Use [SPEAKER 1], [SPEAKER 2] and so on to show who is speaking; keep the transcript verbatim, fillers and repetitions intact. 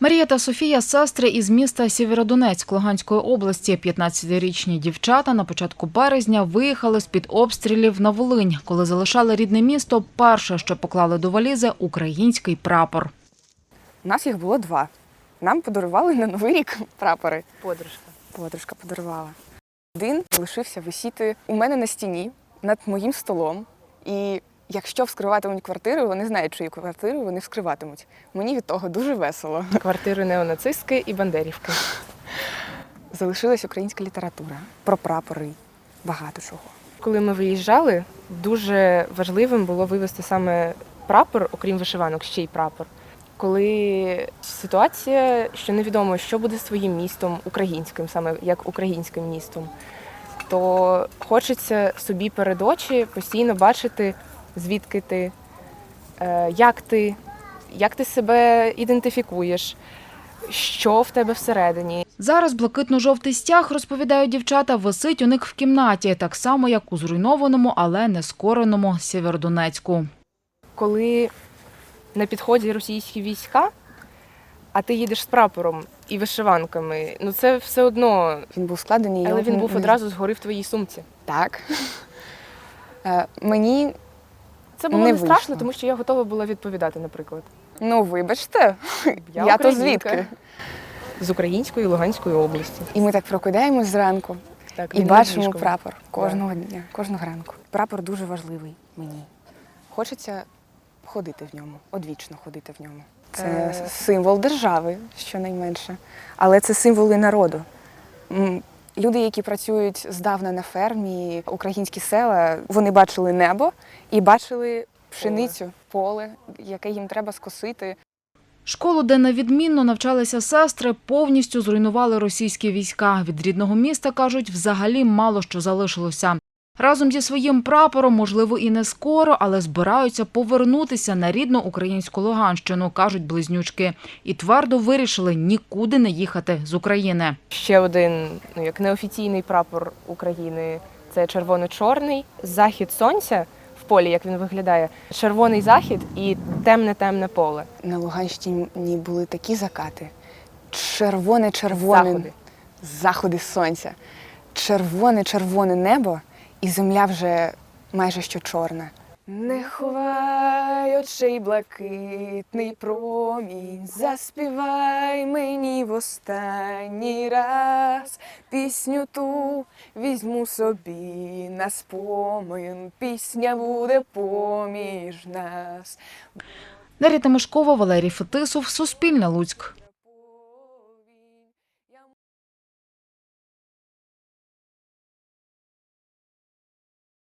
[SPEAKER 1] Марія та Софія – сестри із міста Сєвєродонецьк Луганської області. п'ятнадцятирічні дівчата на початку березня виїхали з-під обстрілів на Волинь. Коли залишали рідне місто, перше, що поклали до валізи – український прапор.
[SPEAKER 2] У нас їх було два. Нам подарували на Новий рік прапори.
[SPEAKER 3] Подружка.
[SPEAKER 2] Подружка подарувала. Один залишився висіти у мене на стіні над моїм столом. І якщо вскриватимуть квартиру, вони знають, чию квартиру вони вскриватимуть. Мені від того дуже весело.
[SPEAKER 3] Квартири неонацистські і бандерівки.
[SPEAKER 2] Залишилась українська література про прапори, багато чого.
[SPEAKER 3] Коли ми виїжджали, дуже важливим було вивезти саме прапор, окрім вишиванок, ще й прапор. Коли ситуація, що невідомо, що буде своїм містом, українським, саме як українським містом, то хочеться собі перед очі постійно бачити, звідки ти, як ти, як ти себе ідентифікуєш, що в тебе всередині.
[SPEAKER 1] Зараз блакитно-жовтий стяг, розповідають дівчата, висить у них в кімнаті, так само, як у зруйнованому, але не скореному Сєвєродонецьку.
[SPEAKER 3] Коли на підході російські війська, а ти їдеш з прапором і вишиванками, ну це все одно.
[SPEAKER 2] Він був складений.
[SPEAKER 3] Але він був одразу згори в твоїй сумці.
[SPEAKER 2] Так. Мені
[SPEAKER 3] Це було
[SPEAKER 2] не
[SPEAKER 3] не страшно,
[SPEAKER 2] вийшло.
[SPEAKER 3] тому що я готова була відповідати, наприклад.
[SPEAKER 2] Ну, вибачте,
[SPEAKER 3] Я,
[SPEAKER 2] я то
[SPEAKER 3] українка.
[SPEAKER 2] звідки?
[SPEAKER 3] З Української і Луганської області.
[SPEAKER 2] І ми так прокидаємось зранку
[SPEAKER 3] Так,
[SPEAKER 2] і
[SPEAKER 3] він
[SPEAKER 2] бачимо
[SPEAKER 3] над ліжком.
[SPEAKER 2] прапор кожного дня, кожного ранку. Прапор дуже важливий мені. Хочеться ходити в ньому, одвічно ходити в ньому. Це
[SPEAKER 3] Е.
[SPEAKER 2] символ держави, щонайменше, але це символ і народу. М, Люди, які працюють здавна на фермі, українські села, вони бачили небо і бачили пшеницю, поле, яке їм треба скосити.
[SPEAKER 1] Школу, де на відмінно навчалися сестри, повністю зруйнували російські війська. Від рідного міста, кажуть, взагалі мало що залишилося. Разом зі своїм прапором, можливо, і не скоро, але збираються повернутися на рідну українську Луганщину, кажуть близнючки. І твердо вирішили нікуди не їхати з України.
[SPEAKER 3] Ще один, ну, як неофіційний прапор України – це червоно-чорний. Захід сонця в полі, як він виглядає, червоний захід і темне-темне поле.
[SPEAKER 2] На Луганщині були такі закати. Червоне-червоне
[SPEAKER 3] Заходи.
[SPEAKER 2] заходи сонця. Червоне-червоне небо і земля вже майже що чорна. Не ховай очей блакитний промінь, заспівай мені в останній раз. Пісню ту візьму собі на спомин, пісня буде поміж нас.
[SPEAKER 1] Дар'я Тимошкова, Валерій Фетисов, Суспільне, Луцьк.